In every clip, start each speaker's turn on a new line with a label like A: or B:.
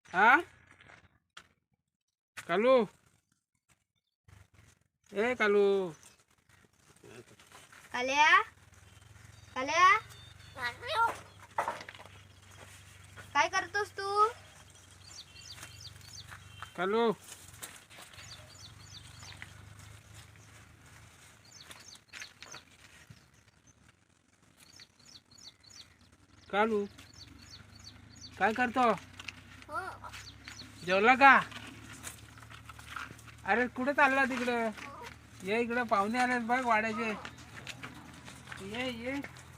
A: हा कालू ए कालू
B: काल्या काल्या काय करतोस तू?
A: कालू कालू काय करतो? जेवला का? अरे कुठे चालला तिकडं? ये इकडं पाहुणे आलेत बघ वाड्याचे. ये ये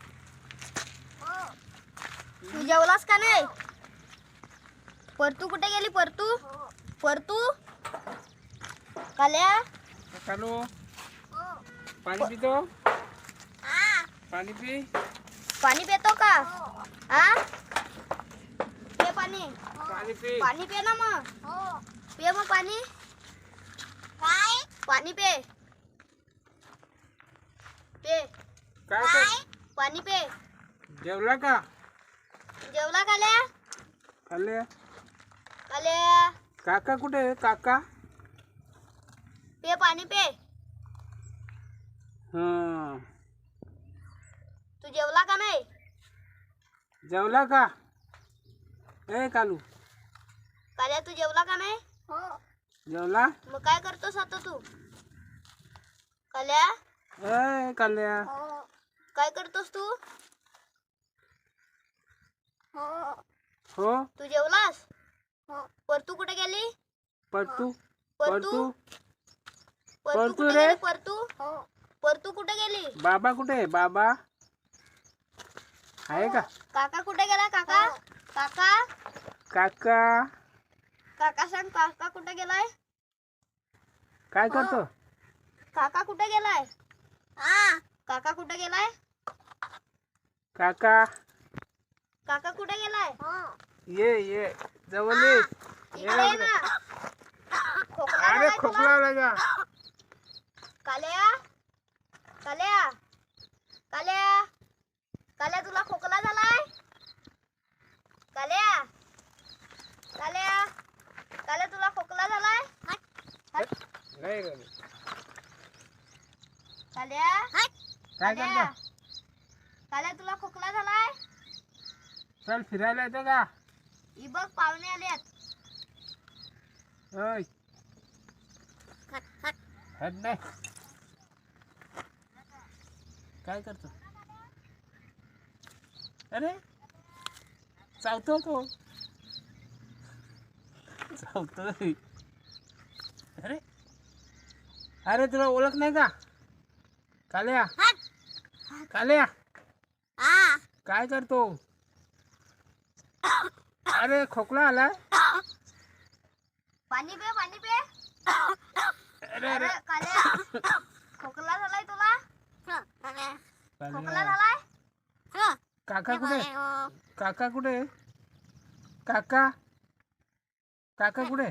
B: तू जेवलास का नाही? परतू कुठे गेली? परतू परतू काल्या
A: कालू पाणी पितो? पाणी पी.
B: पाणी पितो का? हा पे पाणी.
A: पाणी पी.
B: पाणी पे ना मग. पे मग पाणी. काय पाणी पे पे
A: काय कर?
B: पाणी पे.
A: जेवला का?
B: जेवला काल्या?
A: खाल्ले.
B: काल्या
A: काका कुठे आहे? काका
B: पे पाणी पे.
A: हा
B: तू जेवला का नाही?
A: जेवला का? ए कालू
B: काल्या तू जेवला का नाही?
A: जेवला?
B: मग काय करतोस आता तू? काल्या
A: ए काल्या
B: काय करतोस तू?
A: हो
B: तू जेवलास? परतू कुठे गेली?
A: पटू
B: परतू
A: परतू
B: परतू कुठे
A: रे.
B: गेली? परतू परतू कुठे गेली?
A: बाबा कुठे आहे? बाबा आहे का?
B: काका कुठे गेला? काका काका
A: काका
B: काका सांग, काका कुठे गेलाय?
A: काय करतो?
B: काका कुठे गेलाय? काका कुठे गेलाय?
A: काका
B: काका कुठे गेलाय?
A: ये ये जवळ ये.
B: इकडे ये ना. खोकला
A: अरे
B: झालाय तुला?
A: खोकला लगा.
B: काल्या काल्या काल्या काल्या तुला खोकला झालाय? काल्या काल्या काल्या तुला खोकला झालाय?
A: नाही रे.
B: काल्या
A: काय
B: काल्या
A: करतो?
B: काल्या तुला खोकला झालाय?
A: चल फिरायला येतो का?
B: ही बघ पाहुणे आलेत.
A: ओय हट नाही. काय करतो? अरे चावतो तो. चावतोय. अरे अरे तुला ओळख नाही का? काल्या काल्या काय करतो? अरे खोकला आला.
B: पाणी पे पाणी पे.
A: अरे
B: अरे
A: अरे
B: काल्या खोकला झालाय तुला? खोकला झालाय?
A: काका कुठे? काका कुठे? काका काका कुठे?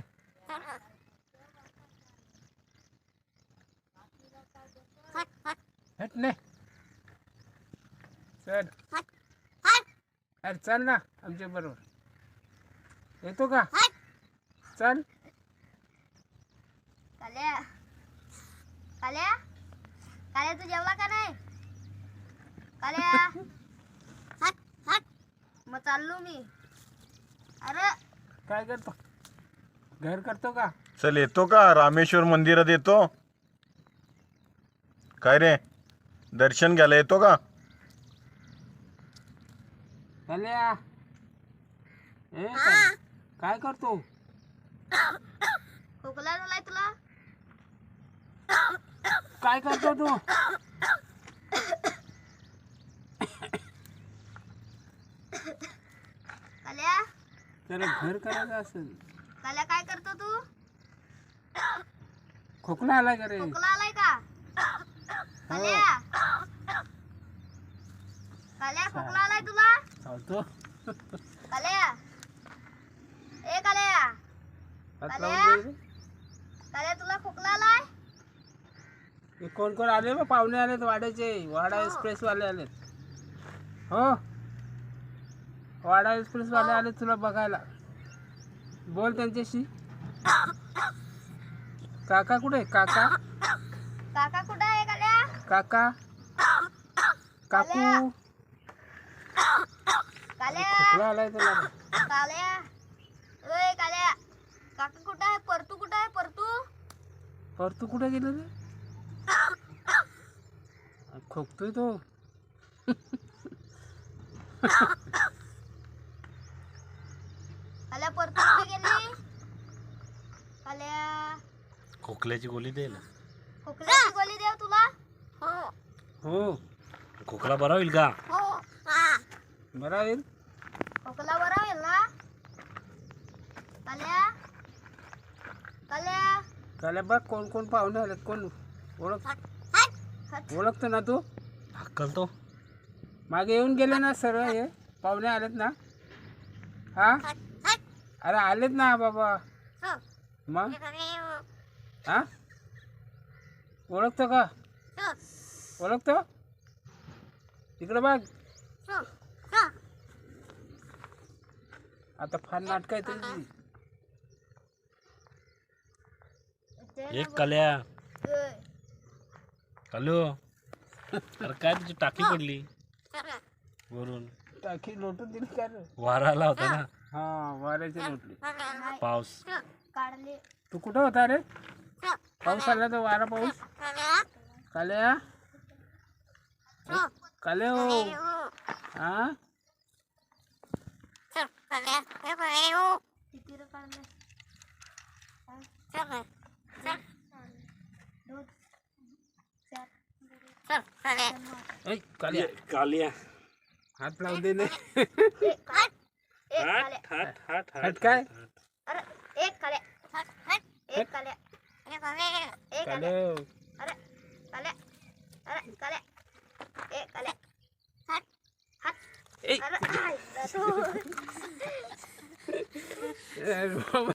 A: हट नाही. चल अरे चल ना आमच्या बरोबर. येतो का? चल.
B: काल्या काल्या काल्या तू जेवला का नाही? काल्या मग चाललो मी. अरे
A: काय करतो? घर करतो का?
C: चल येतो का? रामेश्वर मंदिरात येतो. काय रे दर्शन घ्यायला येतो का?
A: काल्या ए काय करतो?
B: खोकला झालाय तुला?
A: काय करतो तू?
B: काल्या
A: त्याला घर करायचं असेल.
B: काल्या काय करतो तू?
A: खोकला आला का रे?
B: खोकला आलाय का? काल्या काल्या खोकला आलाय तुला?
A: चावतो.
B: काल्या ए काल्या
A: हात लावून दे रे.
B: काल्या तुला खोकला आलाय?
A: हे कोण कोण आले बा? पाहुणे आलेत वाड्याचे. वाडा एक्सप्रेस वाले आलेत. हो वाडा एक्सप्रेस वाले आले तुला बघायला. बोल त्यांच्याशी. काका कुठे? काका
B: काका कुठं आहे काल्या?
A: काका काकू.
B: काल्या
A: खोकला आलाय तुला.
B: काल्या ओय काल्या काका कुठं आहे? परतू कुठं आहे? परतू
A: परतू कुठे गेलं रे? खोकतोय तो.
B: काल्या परतू कुठे गेली? काल्या
D: खोकल्याची गोळी दे ना.
B: खोकल्याची गोळी देव तुला.
A: हो
D: खोकला बरा होईल का?
A: बरा होईल.
B: खोकला बरा होईल ना? काल्या काल्या
A: त्याला बघ कोण कोण पाहुणे आलेत. कोण ओळखतो ना तू?
D: हक्कल तो.
A: मागे येऊन गेले ना सर्व हे पाहुणे आलेत ना. हा अरे आलेत ना बाबा. मग हा ओळखतो का? ओळखतो? इकडे बघ. आता फार नाटक आहे तुझी.
D: एक कल्या.
B: ओय.
D: हॅलो. अरे काय तुझी टाकी पडली वरून.
A: टाकी लोटून दिली का रे?
D: वारा आला होता ना.
A: हा वाऱ्याची लोटली.
B: नाही,
D: पाऊस.
B: काढले.
A: तू कुठं होता रे? पाऊस आला तर वारा पाऊस. काल्या काल्या हो. हा
B: किती रे काढले? दोन, चार,
A: ऐ, काल्या
D: कालिया.
A: हात लावून दे.
B: एक काल्या.
A: हट काय?
B: अरे एक काल्या. एक काल्या. एक काल्या.
A: काल्या
B: अरे काल्या. अरे काल्या. एक काल्या. हात हात.
A: ऐ.
B: अरे आय, दादू.
A: ए,